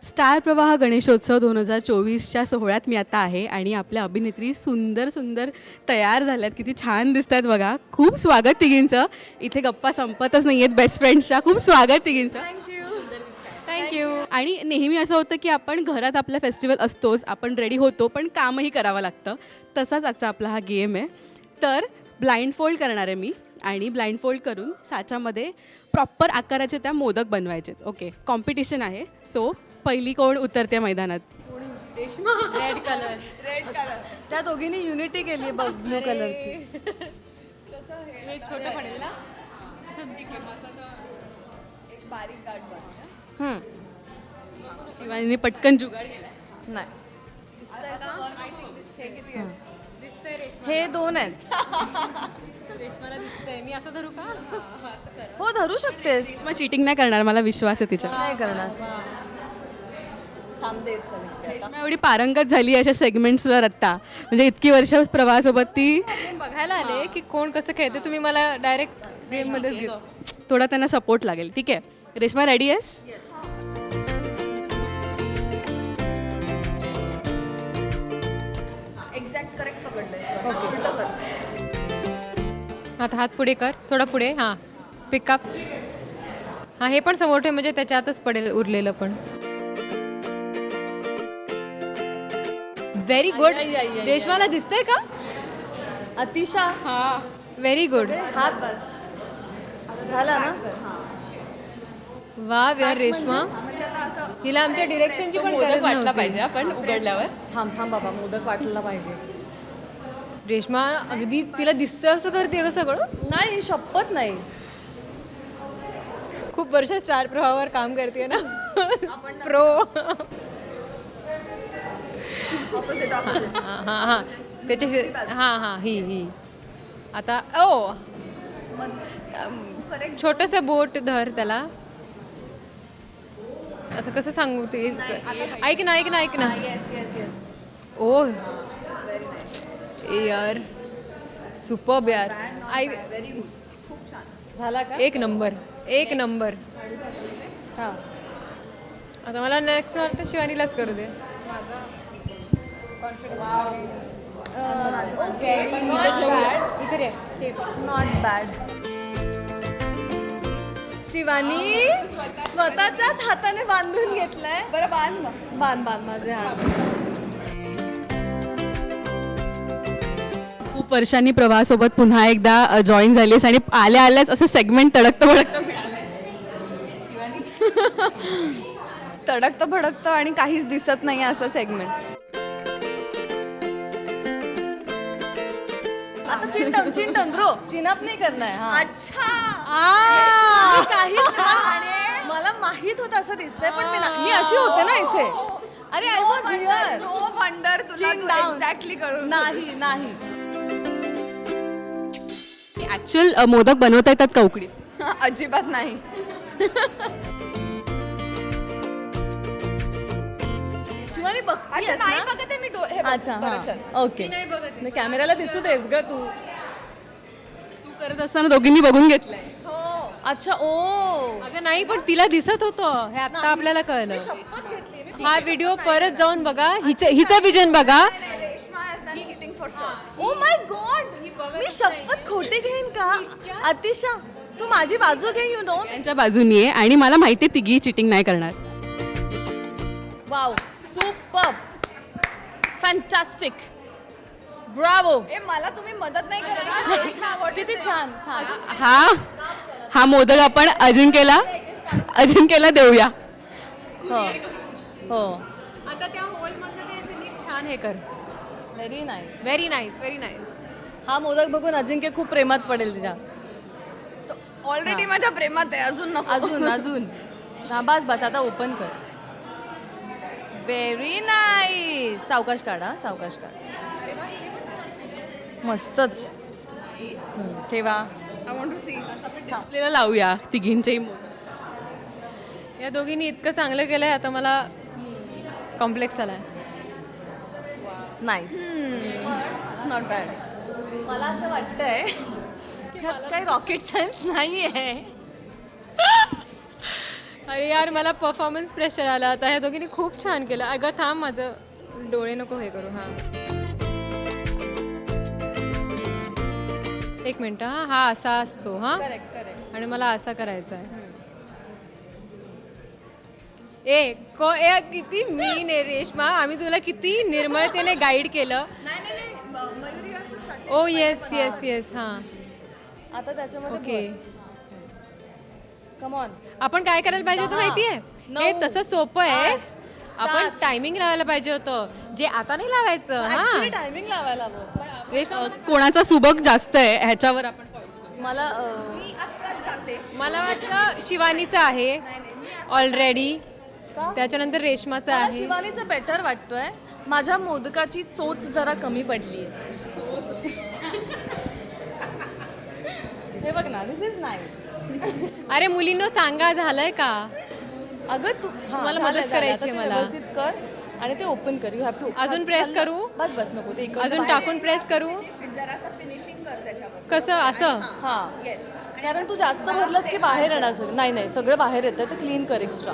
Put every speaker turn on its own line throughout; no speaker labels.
Star प्रवाह गणेशोत्सव 2024च्या सोहळ्यात मी आता आहे आणि आपल्या अभिनेत्री सुंदर सुंदर तयार झाल्यात. किती छान दिसतात बघा. खूप स्वागत तिघींचं. इथे गप्पा संपतच नाही आहेत बेस्ट फ्रेंड्सच्या. खूप स्वागत तिघींचं.
थँक्यू.
आणि नेहमी असं होतं की आपण घरात आपला फेस्टिवल असतोच, आपण रेडी होतो, पण कामही करावं लागतं. तसाच आजचा आपला हा गेम आहे. तर ब्लाइंड फोल्ड करणार आहे मी आणि ब्लाइंड फोल्ड करून साच्यामध्ये प्रॉपर आकाराचे त्या मोदक बनवायचे. ओके, कॉम्पिटिशन आहे. सो पहिली कोण उतरते मैदानात?
Red colour.
त्या दोघींनी युनिटी केली बघ ब्लू कलरची.
हे छोटं पडेल ना.
एक बारीक गाठ बनव.
शिवानीने पटकन जुगाड केला.
नाही हे किती आहे? हे 2 आहेत.
रेशमाला दिसतंय. मी असं धरू का?
हो धरू शकतेस.
मग चिटिंग नाही करणार, मला विश्वास आहे तिच्यावर.
नाही करणार.
रेश्मा एवढी पारंगत झाली अशा सेगमेंट्सवर आत्ता, म्हणजे इतकी वर्ष प्रवाहासोबत ती.
बघायला आले की कोण कसं खेळते. तुम्ही मला डायरेक्ट गेममध्येच घेतो.
थोडा त्यांना सपोर्ट लागेल. ठीक आहे, रेश्मा रेडी आहेस?
एक्झॅक्ट करेक्ट पकडलंय. उलटं कर.
आता हात पुढे कर, थोडा पुढे. हां, पिकअप. हां, हे पण समोर ठेव म्हणजे त्याच्यातच पडेल उरलेलं पण. Very good. रेशमाला दिसतंय का?
अतिशा.
Very good.
हात बस झाला ना.
वा यार रेशमा, तिला आमच्या डिरेक्शनची पण गरज
वाटला
नव्हती.
पाहिजे आपण उघडल्यावर.
थांब बाबा, मोदक वाटला पाहिजे.
रेशमा अगदी तिला दिसतं असं करते का सगळं?
नाही, शपथ नाही.
खूप वर्ष स्टार प्रवाहावर काम करते ना. प्रो.
Opposite opposite.
हां हां त्याच्याशी. हां ही आता ओ छोटंसं बोट धर त्याला. आता कसं सांगू ते. ऐक ना.
Yes yes yes.
ओ यार सुपर्ब यार.
Very good. खूप छान
झाला का? एक नंबर.
हां.
आता मला नेक्स्ट वाटतं शिवानीलाच करू दे. इथे रे.
Not bad. शिवानी स्वतःच्याच हाताने बांधून घेतलंय. बरं बांध माझे हात.
खूप वर्षांनी प्रवाहासोबत पुन्हा एकदा जॉईन झालीस आणि आल्याच असं सेगमेंट तडकतं मिळालं.
तडकतं भडकतं आणि काहीच दिसत नाही असं सेगमेंट. आता चिंटम ब्रो, चिनअप नाही करणार. अच्छा काहीच नाही. मला माहित होतं असं दिसतंय, पण मी अशी होते ना इथे. अरे I was here. No wonder तुला एक्झॅक्टली कळून. नाही
ऍक्च्युअल मोदक बनवता येतात का उकडीत?
अजिबात नाही. शिवानी बघतीयेस ना? नाही बघते मी डोळे. अच्छा ओके. नाही कॅमेऱ्याला दिसू देस ग तू.
तू करत असताना दोघींनी बघून घेतलंय.
हो. अच्छा ओ.
अगं नाही, पण तिला दिसत होतं हे आता आपल्याला कळलं. हा व्हिडिओ परत जाऊन बघा. हिचं विजन बघा.
ओ माय गॉड, मी शपथ खोटी घेईन का? अतिशा तू माझी बाजू घे. यू नो
त्यांच्या बाजूनी आहे आणि मला माहिती आहे तिघी चिटिंग नाही करणार.
Wow superb fantastic bravo. मला तुम्ही मदत नाही करणार. किती छान.
हा मोदक आपण अजिंक्यला देऊया.
हो
आता त्या होलमधनं ते असं नीट छान हे कर.
Very nice.
Very nice.
हा मोदक बघून अजिंक्य खूप प्रेमात पडेल तिच्या. ऑलरेडी माझ्या प्रेमात आहे. अजून हा बस आता ओपन कर. Very nice. सावकाश काढा. मस्तच. ठेवा. I want to see.
डिस्प्लेला लावूया तिघींचेही मोदक.
या दोघींनी इतकं चांगलं केलंय, आता मला कॉम्प्लेक्स आलाय.
नाईस. Not bad. मला असं वाटतंय ह्यात काही रॉकेट सायन्स नाही आहे.
अरे यार मला परफॉर्मन्स प्रेशर आला आता. ह्या दोघींनी खूप छान केलं. अगं थांब, माझं डोळे नको हे करू. हां एक मिनट. हां हा असा असतो. हां आणि मला असा करायचा आहे. किती मीन आहे रेश्मा. आम्ही तुला किती निर्मळतेने गाईड केलं. Oh yes yes yes. हां
आता त्याच्यामध्ये
ओके.
Come on.
आपण काय करायला पाहिजे होतं माहिती आहे? हे तसं सोपं आहे. आपण टायमिंग लावायला पाहिजे होतं, जे आता नाही लावायचं. हां
टायमिंग लावायला हवं.
रेश्मा
कोणाचा सुबक जास्त आहे ह्याच्यावर आपण
मला
मला वाटतं शिवानीचं आहे ऑलरेडी, त्याच्यानंतर रेश्माचं
मला
आहे.
शिवानीचं बेटर वाटतोय. माझ्या मोदकाची चोच जरा कमी पडली. हे बघ ना, दिस इज नाईस.
अरे मुलींनो सांगा, झालंय का?
अगं तू
मला मदत करायची आहे मला.
व्यवस्थित कर आणि ते ओपन कर. You have to.
अजून press करू?
बस बस नको ते
अजून टाकून प्रेस करू?
जरासं फिनिशिंग कर त्याच्यावर.
कसं असं?
हा कारण तू जास्त भरलंस की बाहेर येणार सगळं. नाही नाही सगळं बाहेर येतं, तर क्लीन कर एक्स्ट्रा.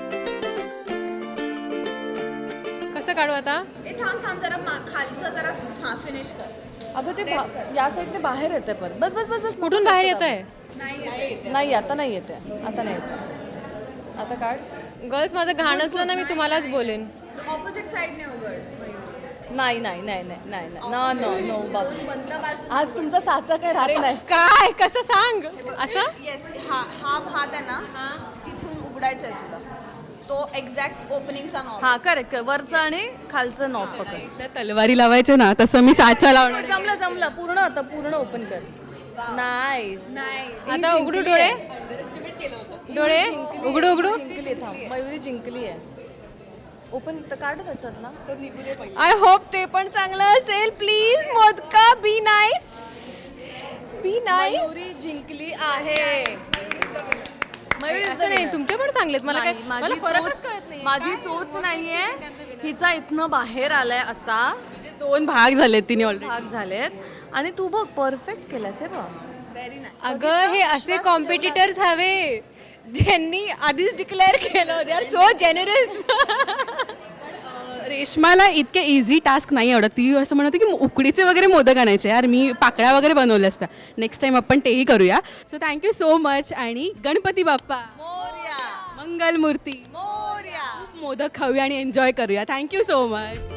कसं काढू आता?
ए थांब थांब जरा खालचं जरा हां फिनिश कर.
अगं ते या साईडने बाहेर येते परत. बस बस बस बस.
कुठून बाहेर येत आहे?
नाही आता नाही येते. आता नाही येते. आता काढ.
गर्ल्स माझं घाण असलं ना मी तुम्हालाच बोलेन.
ऑपोजिट साइडने उघड मयूर.
नाही नाही नाही नाही नाही नाही नो नो बाबू.
बंद बाजू.
आज तुमचा साचा काय राहत नाही.
काय कसं सांग असं?
येस हा भात आहे ना तिथून उघडायचा आहे तुला. तो एक्झॅक्ट ओपनिंगचा नॉब.
हा करेक्ट. वरचं आणि खालचं नॉब पकड.
त्या तलवारी लावायचे ना तसं मी साचा लावणार.
जमलं जमलं. पूर्ण आता पूर्ण ओपन कर. नाईस.
नाही
आता उघडू डोळे? डोळे उघडू उघडू.
जिंकली. थांब मयुरी जिंकली आहे. ओपन तर काढ त्याच्यातला.
आय होप ते पण चांगलं असेल. प्लीज मोदका be nice, be nice.
Mayuri जिंकली आहे. मयुरी
असं नाही, तुमचे पण चांगलेत. मला काय
माझी
मला फरकच
चोच
कळत नाही.
माझी चोच नाहीये. हिचा इथनं बाहेर आलाय असा
2 भाग झालेत तिने ऑलरेडी.
भाग झालेत आणि तू बघ परफेक्ट केलास. हे बघ
व्हेरी नाईस.
अगं हे असे कॉम्पिटिटर्स हवे ज्यांनी आधीच डिक्लेअर केलं. They are so generous.
रेश्माला इतके इझी टास्क नाही आवडत. ती असं म्हणत होती की उकडीचे वगैरे मोदक आणायचे. यार मी पाकळ्या वगैरे बनवल्या असत्या. नेक्स्ट टाइम आपण तेही करूया. सो थँक्यू सो मच आणि गणपती बाप्पा
मोरया
मंगलमूर्ती.
मोरया.
मोदक खाऊया आणि एन्जॉय करूया. Thank you so much.